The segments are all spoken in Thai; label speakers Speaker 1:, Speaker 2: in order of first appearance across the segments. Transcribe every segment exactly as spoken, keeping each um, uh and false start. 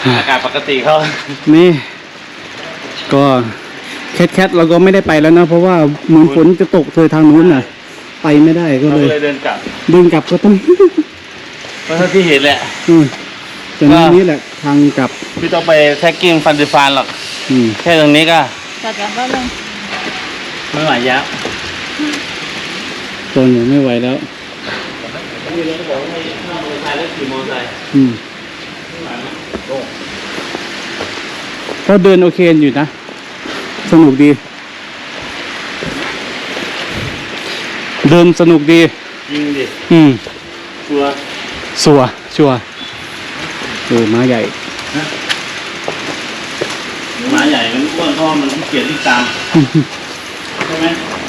Speaker 1: อากาศปกติเขา
Speaker 2: นี่ก็แคทแคทเราก็ไม่ได้ไปแล้วนะเพราะว่าเหมือนฝนจะตกเธอทางนู้นน่ะไปไม่ได้ก็เลย
Speaker 1: เดินกลับ
Speaker 2: เดินกลับก็ต้อง
Speaker 1: ก็เท่าที่เห็นแหละ
Speaker 2: อืมแต่นี้แหละทางกลับ
Speaker 1: พี่ต้องไปแท็กกิ้งฟันดิฟานหรอกแค่ตรงนี้ก็
Speaker 3: จัดการแป๊บนึง
Speaker 1: ไม่ไหวยับ
Speaker 2: ตอนนี้ไม่ไหวแล้ว
Speaker 1: นี่เราก็บอกให้ข้ามมอเตอร์ไซค์แล้วขี่มอเตอร์ไซค์
Speaker 2: อืมก็เดินโอเคอยู่นะสนุกดีเดินสนุกดี
Speaker 1: ยิงดิ
Speaker 2: อืม
Speaker 1: ชัว
Speaker 2: ชัวชัวเออม้าใหญ่
Speaker 1: ม้าใหญ่มันอ้วนเพราะมันเกลียดที่ตามใช่ไหม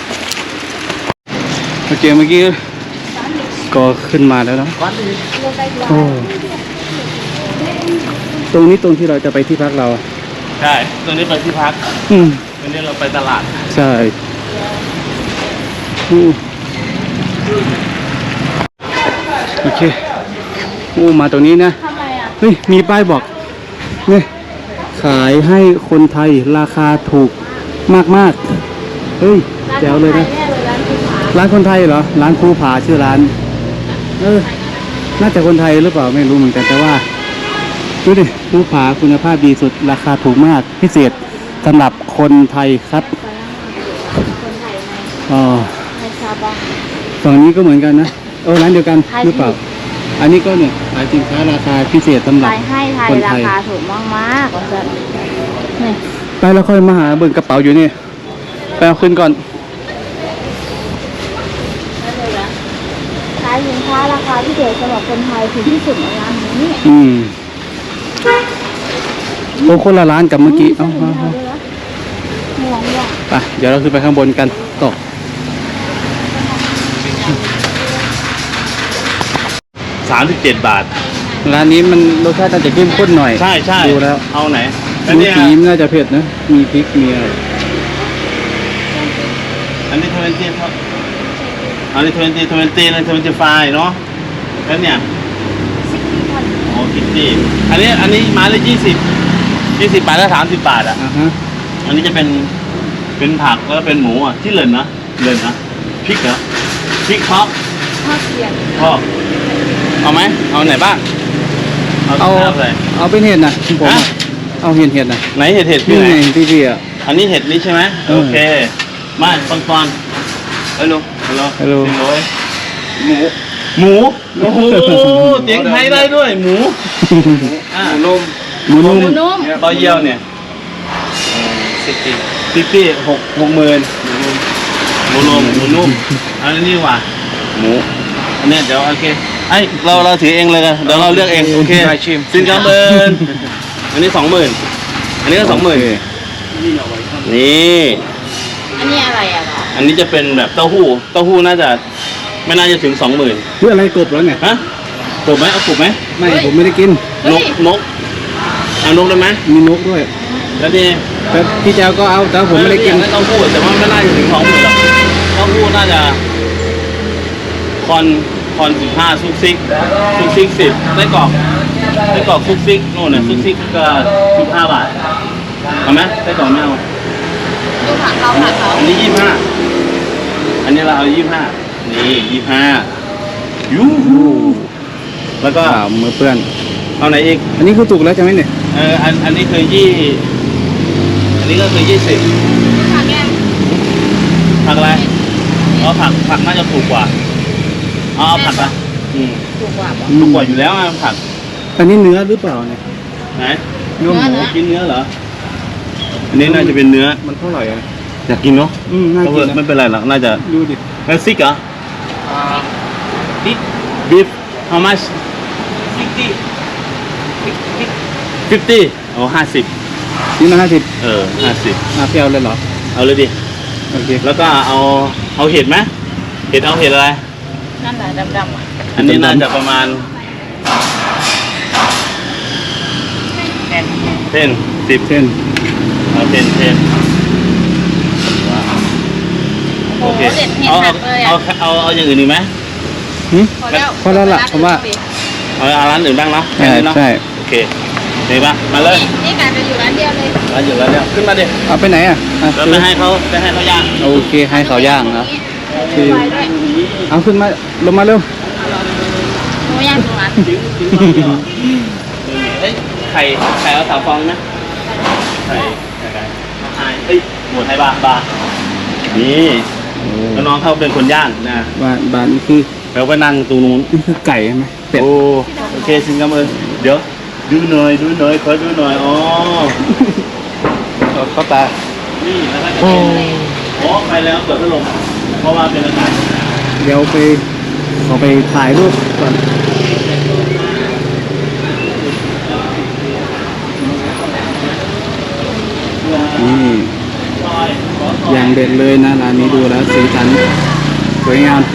Speaker 2: โอเคเมื่อกี้ก็ขึ้นมาแล้วเนาะโอ้ตรงนี้ตรงที่เราจะไปที่พักเรา
Speaker 1: ใช่ตรงนี้ไปที่พัก
Speaker 2: อืม
Speaker 1: ตรงนี้เราไปตลาด
Speaker 2: ใช่โอเคโอ้มาตรงนี้นะเฮ้ยมีป้ายบอกนี่ขายให้คนไทยราคาถูกมากๆเฮ้ยแจ๋วเลยนะร้านคนไทยเหรอร้านภูผาชื่อร้านเออน่าจะคนไทยหรือเปล่าไม่รู้เหมือนกันแต่ว่าดูดิภูผาคุณภาพดีสุดราคาถูกมากพิเศษสำหรับคนไทยครับอ๋อฝั่งนี้ก็เหมือนกันนะเออร้านเดียวกันหรือเปล่าอันนี้ก็เนี่ยขายสินค้าราคาพิเศษสำหรับคนไทย
Speaker 3: ราคาถูกมากมากนี่
Speaker 2: ไปแล้วค่อยมาหาเบิ่งกระเป๋าอยู่นี่ไปเอาขึ้นก่อน
Speaker 3: ขายสินค้าราคาพิเศษสำหรับคนไทยถูกที่สุดในร้านนี้
Speaker 2: อืมโอ้คนละร้านกับเมื่อกี้เอ้าไปเดี๋ยวเราขึ้นไปข้างบนกันตก
Speaker 1: สามสิบเจ็ดบาท
Speaker 2: ร้านนี้มันรสชาติน่าจะเข้มข้นหน่อย
Speaker 1: ใช่ใช่
Speaker 2: ดูแล้ว
Speaker 1: เอาไหน
Speaker 2: มีสีน่าจะเผ็ดนะมีพริกมีอะไร
Speaker 1: อันนี้ทเวนตี้ครับอันนี้ทเวนตี้ทเวนตี้เลยทเวนตี้ไฟเนาะแล้วเนี่ยโอ้คิตตี้อันนี้อันนี้ไม้ละยี่สิบยี่สิบบาทละสามสิบบาทอ่ะอันนี้จะเป็นเป็นผักแล้วเป็นหมูอ่ะที่เหลินนะเหลินนะพริกเหรอพริกทอด
Speaker 3: ทอดเสียง
Speaker 1: ทอดเอาไหมเอาไหนบ้าง
Speaker 2: เอาเอาเป็นเห็ดนะผมเอาเห็ดเห็ดนะ
Speaker 1: ไหนเห็ดเห็ด
Speaker 2: พี่ไหนพี่พี่อ่ะ
Speaker 1: อันนี้เห็ดนี้ใช่ไหมโอเคมาตอนตอนฮัลโหลฮัลโหล
Speaker 2: ฮัลโหล
Speaker 1: หมูหมูโอ้โหเตียงไทยได้ด้วยหมูอ่าหมูนุ่ม
Speaker 2: หมูนุ่ม
Speaker 1: ต่อเยี่ยวเนี่ยสิบปีสิบปีหกหกหมื่นหมูนุ่มหมูนุ่มอันนี้ว่าหมูอันนี้เดี๋ยวโอเคไอเราเราถือเองเลยกันเดี๋ยวเราเลือกเองโอเคสินค้าเบิร์นอันนี้สองหมื่นอันนี้ก็สองหมื่นนี่
Speaker 3: อันนี้อะไรอ่ะ
Speaker 1: อันนี้จะเป็นแบบเต้าหู้เต้าหู้น่าจะไม่น่าจะถึงสองหมื่น
Speaker 2: เพื่ออะไรกบแล้วไง
Speaker 1: ฮะกบไหมเอากบไหม
Speaker 2: ไม่ผมไม่ได้กิน
Speaker 1: นกนกเอานกได้ไหม
Speaker 2: มีนกด้วย
Speaker 1: แล้วนี่
Speaker 2: แต่พี่แจวก็เอาแต่ผมไม่ได้กิน
Speaker 1: เต้าหู้แต่ว่าไม่น่าจะถึงสองหมื่นหรอกเต้าหู้น่าจะคอนคอนสิบห้าซุกซิกซุกซิกสิบไส้กรอกไส้กรอกซุกซิกโน่นน่ะซุกซิกก็สิบห้าบาทเอาไหมไส้กรอกไม่เอา
Speaker 3: ดูผักเขาผักเขา
Speaker 1: อันนี้ยี่สิบห้าอันนี้เราเอายี่สิบห้านี่ยี่สิบห้ายูหูแล้วก็
Speaker 2: มือเปื้อน
Speaker 1: เอาไหนอีก
Speaker 2: อันนี้คือถูกแล้วใช่ไหมเนี่ย
Speaker 1: เอออันอันนี้คือยี่อันนี้ก็คือยี่สิบ
Speaker 3: ผักแกง
Speaker 1: ผักอะไรอ๋อผักผักน่าจะถูกกว่าอ๋อผักอ่ะอืม
Speaker 3: ถูกกว่า
Speaker 1: ถูกกว่าอยู่แล้วผัก
Speaker 2: อันนี้เนื้อหรือเปล่าเนี่ย
Speaker 1: ไหนเนื้อหมูกินเนื้อเหรออันนี้น่าจะเป็นเนื้อ
Speaker 2: มันเท่าไหร่อ่ะ
Speaker 1: อยากกินเนาะ
Speaker 2: อืมน่ากิน
Speaker 1: ไม่เป็นไรหรอกน่าจะ
Speaker 2: ดูดิ
Speaker 1: เมซิกเหรอ
Speaker 4: beef
Speaker 1: beef how much
Speaker 4: fifty
Speaker 1: fifty โอ้ห้าสิบ
Speaker 2: นี่มาห้าสิบ
Speaker 1: เออห้าสิบ
Speaker 2: มาเปรี้ยวเลยเหรอ
Speaker 1: เอาเลยดิ
Speaker 2: โอเค
Speaker 1: แล้วก็เอาเอาเห็ดไหมเห็ดเอาเห็ดอะไร
Speaker 3: นั่นแหละดำๆอ่ะ
Speaker 1: อันนี้น่าจะประมาณเส้นสิบ
Speaker 2: เส้น
Speaker 1: เอาเส้นเส้นโอเคเอาเอาเอาเอาอย่างอื่นอีกไหม
Speaker 2: พอแล้วพอแล้วล่ะผมว่า
Speaker 1: เอาร้านอื่นบ้างเนาะ
Speaker 2: ใช่
Speaker 1: โอเคเห็นปะมาเลย
Speaker 3: นี่กลายเป็นอยู่ร้านเดียวเลย
Speaker 1: มาอยู่แล้วเนี่ยขึ้นมาดิ
Speaker 2: เอาไปไหนอ่ะอ่ะ
Speaker 1: เราไปให้เขาไปให้เขาย่าง
Speaker 2: โอเคให้เขาย่างนะ
Speaker 3: มีไฟด้วย
Speaker 2: เอาขึ้นมาลงมาเร็ว
Speaker 3: หมูย่างตรงนั้น
Speaker 1: เอ้ยไข่ไข่เอาสามฟองนะไข่ไข่ไก่ไข่เอ้ยหมูไทยบาบานี่แล้วน้องเขาเป็นคนย่างนะ
Speaker 2: บ้านบ้านนี่คือ
Speaker 1: แล้วก็นั่งตรงนู้น
Speaker 2: นี่คือไก่ใช่ไหมเป็ด
Speaker 1: โอ้โอเคสิงคโปร์เดี๋ยวดูหน่อยดูหน่อยขอดูหน่อยอ๋อ
Speaker 2: เขาตา
Speaker 1: นี่แล้วก็จะเป็นโอ้ไปแล้วเปิดพัดลมเพราะว่าเป็นอากาศ
Speaker 2: เดี๋ยวไปขอไปถ่ายรูปก่อนนี่อย่างเด็ดเลยนะร้านนี้ดูแล้วสีสันสวยงาม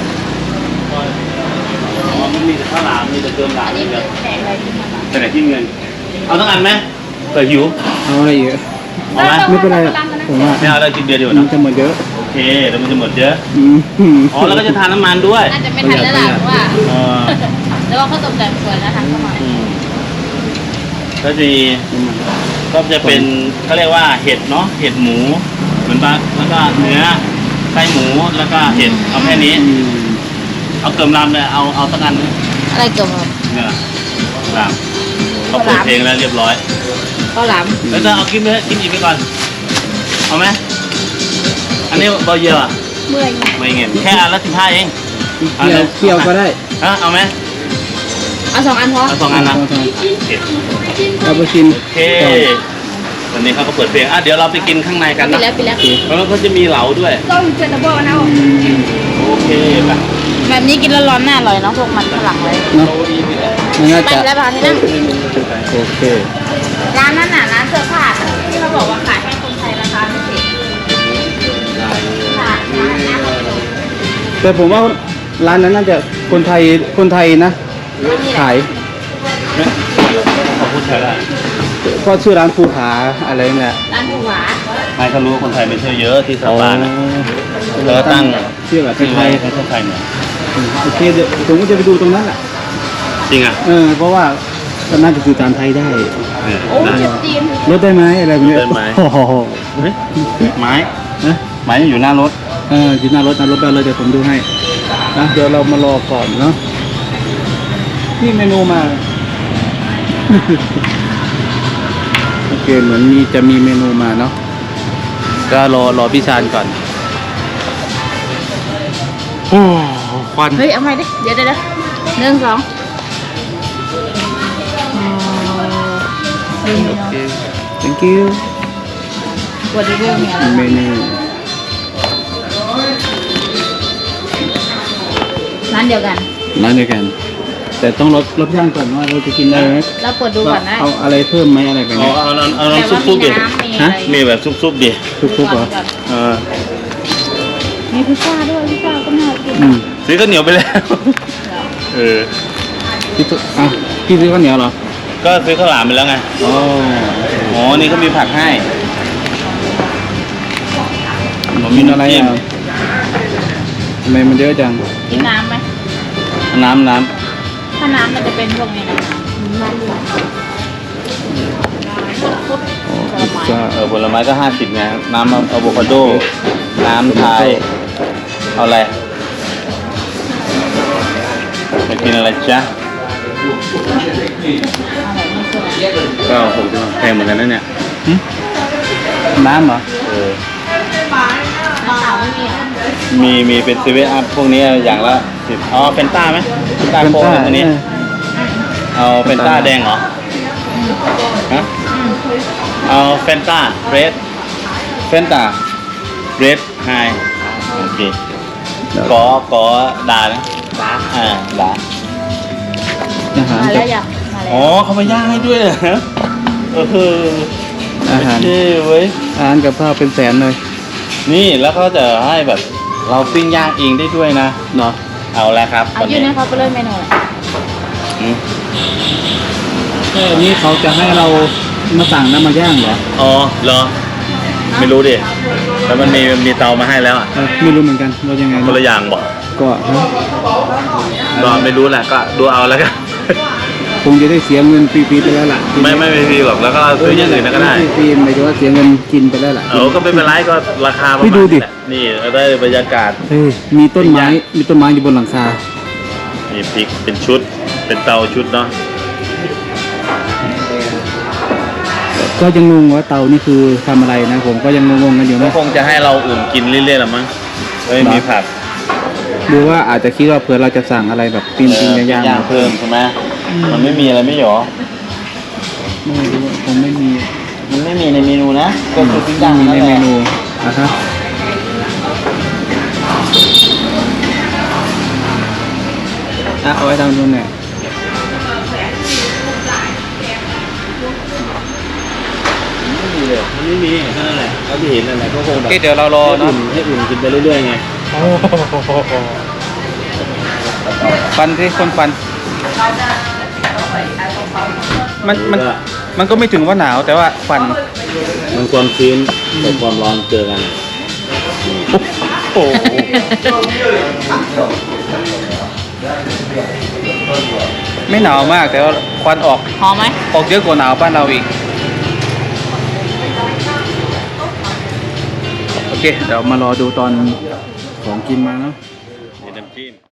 Speaker 1: อ๋อมันมีแต่ข้าวหลามมีแต่เติมหลาม
Speaker 3: อันนี้
Speaker 1: นี่
Speaker 3: คื
Speaker 1: เดี
Speaker 3: อ
Speaker 1: ยว
Speaker 3: แจกอะไรที่มัน
Speaker 1: แต่ไหนที่เงินเอาทั้งอันไหมเปิดหิว
Speaker 2: เอาอะไรอีก
Speaker 1: เอาไหม
Speaker 2: ไม่เป็นไรอะผมว่า
Speaker 1: ไม่เอาเรากินเดียวเดียว
Speaker 2: มัน
Speaker 1: นะ
Speaker 2: จะหมดเยอะ
Speaker 1: โอเคเดี๋ยวมันจะหมดเยอะ
Speaker 2: อืม
Speaker 1: อ๋อแล้วก็จะทานน้ำมันด้วย
Speaker 3: น่าจะไม่ทันแล้วล่ะเพราะว่า
Speaker 1: เออ
Speaker 3: แล้วก็เขาตกแต่งสวยนะทางเข้ามา
Speaker 1: อืมก็จะมีก็จะเป็นเขาเรียกว่าเห็ดเนาะเห็ดหมูเหมือนปลาแล้วก็เนื้อไส้หมูแล้วก็เห็ดเอาแค่นี้
Speaker 2: อืม
Speaker 1: เอาเกิมลำเลยเอาเอาสักอันนึง
Speaker 3: อะไรเกี่ยวกับ
Speaker 1: เนี่ยลำเขาเปิดเพลงแล้วเรียบร้อย
Speaker 3: ข้าวหลาม
Speaker 1: แล้วจะเอากินไปกินอีกไปก่อนเอาไหมอันนี้เบาเยอะอ่ะ
Speaker 3: เมื่อย
Speaker 1: ไม่เงี้ยแค่อันละสิบห้าเอง
Speaker 2: เกี่ยวเกี่ยวก็ได้
Speaker 1: ฮะเอาไหม
Speaker 3: เอาสองอันพอ
Speaker 1: เอาสองอันนะ
Speaker 2: เอาสองอัน
Speaker 1: โอเค
Speaker 2: เอาไปกิน
Speaker 1: โอเควันนี้เขาก็เปิดเพลงอ่ะเดี๋ยวเราไปกินข้างในกัน
Speaker 3: ปิด
Speaker 1: นะ
Speaker 3: แล้วปิดแล้ว
Speaker 1: แล้วก็จะมีเหลาด้วย
Speaker 3: ก็เจอตะโบนะ
Speaker 1: โอเคไป
Speaker 3: แบบนี้กินแล้วร้อนหน้าอร่อยเนาะพวกมันฝรั่งเลย
Speaker 2: เนาะมันน่า
Speaker 3: ไป
Speaker 2: จะ
Speaker 3: แล้วพาที่นั่ง
Speaker 2: โอเค
Speaker 3: ร้านนั้นน่ะร้านเสื้อผ้าที่เขาบอกว่าขายให้คนไทยราคาพิเศษค่ะร้านหน้าคอนโด
Speaker 2: แต่ผมว่าร้านนั้นน่าจะคนไทยคนไทยนะ ขาย
Speaker 1: เขาพูดใช่ได้
Speaker 2: ก็ชื่อร้านภูผาอะไรเนี่ย
Speaker 3: ร้านผู้หวา
Speaker 1: ไม่เขารู้ว่าคนไทยไม่เชื่อเยอะที่สปานะแล้วก็ตั้ง
Speaker 2: ชื่อแบบ
Speaker 1: ชื่อ
Speaker 2: ไท
Speaker 1: ไท
Speaker 2: ย
Speaker 1: ยไทยไทยเนี่ย
Speaker 2: ๆโอเคเดี๋ยวผมก็จะไปดูตรงนั้นแหละ
Speaker 1: จริงอ่ะ
Speaker 2: เออเพราะว่าก็น่าจะสื่อสารไทยได้
Speaker 1: เออ
Speaker 3: โอ้
Speaker 1: ได้
Speaker 3: เจ็บตีน
Speaker 2: รถได้ไหมอะไรแบบนี้
Speaker 1: ได้ไหม
Speaker 2: โอ้โห
Speaker 1: เฮ้ยไม้
Speaker 2: นะ
Speaker 1: ไม้ยังอยู่หน้ารถ
Speaker 2: เอออยู่หน้ารถหน้ารถไปเลยเดี๋ยวผมดูให้นะเดี๋ยวเรามารอก่อนเนาะนี่เมนูมา โอเคเหมือนมีจะมีเมนูมาเนาะก็รอรอพี่ชานก่อนโอ้ควัน
Speaker 3: เฮ้ยเอาใหม่ดิเดี๋ยวเดี๋ยวหนึ่งสอง
Speaker 2: โอเค thank you
Speaker 3: วอร์ดิเวอร์มีอะไร
Speaker 2: เมนู
Speaker 3: ร้านเดียวกัน
Speaker 2: ร้านเดียวกัน แต่ต้องรสรสย่างก่อนว่าเราจะกินได้ไหม
Speaker 3: เราเปิดดูก่อนนะ
Speaker 2: เอาอะไรเพิ่มไหมอะไรแบบ
Speaker 1: เอา
Speaker 2: นี้
Speaker 1: เอาเอาเอา
Speaker 3: แต่
Speaker 1: น้ำซุ
Speaker 3: ว่า
Speaker 1: ปซุปดิ
Speaker 3: มีน้ำมี
Speaker 2: ฮะ
Speaker 3: อะไร
Speaker 1: มีแบบซุปซุปดิ
Speaker 2: ทุกๆเหรอ
Speaker 3: ก่อน
Speaker 1: เออ
Speaker 3: มีพิซซ่าด้วยพิซซ่าก็น่ากิน
Speaker 2: อืม
Speaker 1: ซื้อข้าวเหนียวไปแล้ว เออ
Speaker 2: พี่ตุ๊อ่ะพี่ซื้อข้าวเหนียวเหรอ
Speaker 1: ก็ซื้อข้าวหลามไปแล้วไง
Speaker 2: อ๋อ
Speaker 1: อ๋อ นี่เขามีผักให้
Speaker 2: มีอะไรอ่ะทำไมมันเยอะจัง
Speaker 3: กินน้ำไหม
Speaker 1: น้ำน้
Speaker 3: ถ้าน้ำมันจะเป็นพวกนี้นะน้ำพุทธ
Speaker 2: อ๋อ
Speaker 3: ผล
Speaker 2: พิซ
Speaker 3: ไม้
Speaker 2: ซ่า
Speaker 1: ำเออผลไม้ก็ห้าสิบไง น้ำอะโวคาโด น้ำไทย เอาอะไรจะกินอะไรจ๊ะ ก็หกสิบแพงเหมือนกันนะเนี่ย
Speaker 2: หึน้ำเหรอ
Speaker 1: เออ
Speaker 3: น้ำเปล่าไม่มีเหรอ
Speaker 1: มีมีเป็นซีเวอัพพวกนี้อย่างละสิบอ๋อเฟนต้าไหมเฟนต้าโค้กพวกนี้
Speaker 2: เออ
Speaker 1: เอาเฟนต้าแดงเหรอ ฮะ เอาเฟนต้าเรดเฟนต้าเรดไฮโอเค
Speaker 2: เดี๋ยว
Speaker 1: ขอขอด่านะด่าอ่าด่า
Speaker 2: อาหาร
Speaker 3: มา
Speaker 2: กั
Speaker 3: แล้
Speaker 2: บ
Speaker 3: วยังมาแล้ว
Speaker 1: อ๋อเขามาย่างให้ด้วยเหรอเออคือ
Speaker 2: อาหาร
Speaker 1: เท่เว้ย
Speaker 2: อาหารกับข้าวเป็นแสนเลย
Speaker 1: นี่แล้วเขาจะให้แบบเราปิ้งย่างเองได้ด้วยนะ
Speaker 2: เนาะ
Speaker 1: เอาแล้วครับ
Speaker 3: เอายื่นให้เขาไปเลยเมนูเลย
Speaker 1: อืม
Speaker 2: แค่นี้เขาจะให้เรามาสั่งน้ำมาย่างเหรอ
Speaker 1: อ๋อเหรอ ไม่รู้ดิแล้วมันมีมีเตามาให้แล้วอ่ะ
Speaker 2: เออไม่รู้เหมือนกันว่ายังไง
Speaker 1: คนละอย่างบอก
Speaker 2: ก็ฮะ
Speaker 1: ก็ไม่รู้แหละก็ดูเอาแล้วกัน
Speaker 2: คงจะได้เสียเงินฟรีๆไปแล้วล่ะ
Speaker 1: ไม่ไม่ไม่ฟรีหรอกแล้วก็ซื้ออย่างอื่นก็ได้
Speaker 2: ม่ฟรีๆหมายถึงว่าเสียเงินกินไปแล้วล่ะ
Speaker 1: เออก็ไม่เป็นไรก็ราคาประ
Speaker 2: ไม่
Speaker 1: มาณ
Speaker 2: ดูดิ
Speaker 1: นี้แหละนี่ได้บรรยากาศ
Speaker 2: เฮ้ยมีต้นไม้มีต้นไม้อยู่บนหลังคา
Speaker 1: มีพริกเป็นชุดเป็นเตาชุดเนาะ
Speaker 2: ก็ยังงงว่าเตานี่คือทำอะไรนะผมก็ยังงงๆกันอยู่
Speaker 1: ก็
Speaker 2: นะ
Speaker 1: คงจะให้เราอุ่นกินเรื่อยๆหรอมั้งเฮ้ยมีผัก
Speaker 2: ดูว่าอาจจะคิดว่าเผื่อเราจะสั่งอะไรแบบปิ้งปิ้งย่าง
Speaker 1: ย่างเพิ่มใช่ไหมมันไม่มีอะไรไม่หรอ
Speaker 2: ๆไม่รู้ว่าคงไม่มี
Speaker 1: มันไม่มีในเมนูนะก็คือปิ้ง
Speaker 2: ยั
Speaker 1: ย่าง ง
Speaker 2: มี
Speaker 1: นั่
Speaker 2: ใน
Speaker 1: นแห
Speaker 2: เม
Speaker 1: ละ
Speaker 2: นูนะครับอ่ะเอาไว้ทำตรงไหน
Speaker 1: ไม่มีเลยมันไม่มีแค่นั้นแหละเขาที่เห็นนั่นแหละก็คงแบบ
Speaker 2: โอเคเดี๋ยวเรารอ
Speaker 1: ให้
Speaker 2: เนาะ
Speaker 1: อุ่นให้อุ่นกินไปเรื่อยๆไง
Speaker 2: ฟันที่คนฟัน มันมันมันก็ไม่ถึงว่าหนาวแต่ว่าฟัน
Speaker 1: มันความชื้นกับความร้อนเจอกัน
Speaker 2: โอ้โหไม่หนาวมากแต่ว่าควันออก
Speaker 3: หอมไหม
Speaker 2: ออกเยอะกว่าหนาวบ้านเราอีก โอเค เดี๋ยวมารอดูตอนของกินมาเนาะ
Speaker 1: มีน้ำจิ้ม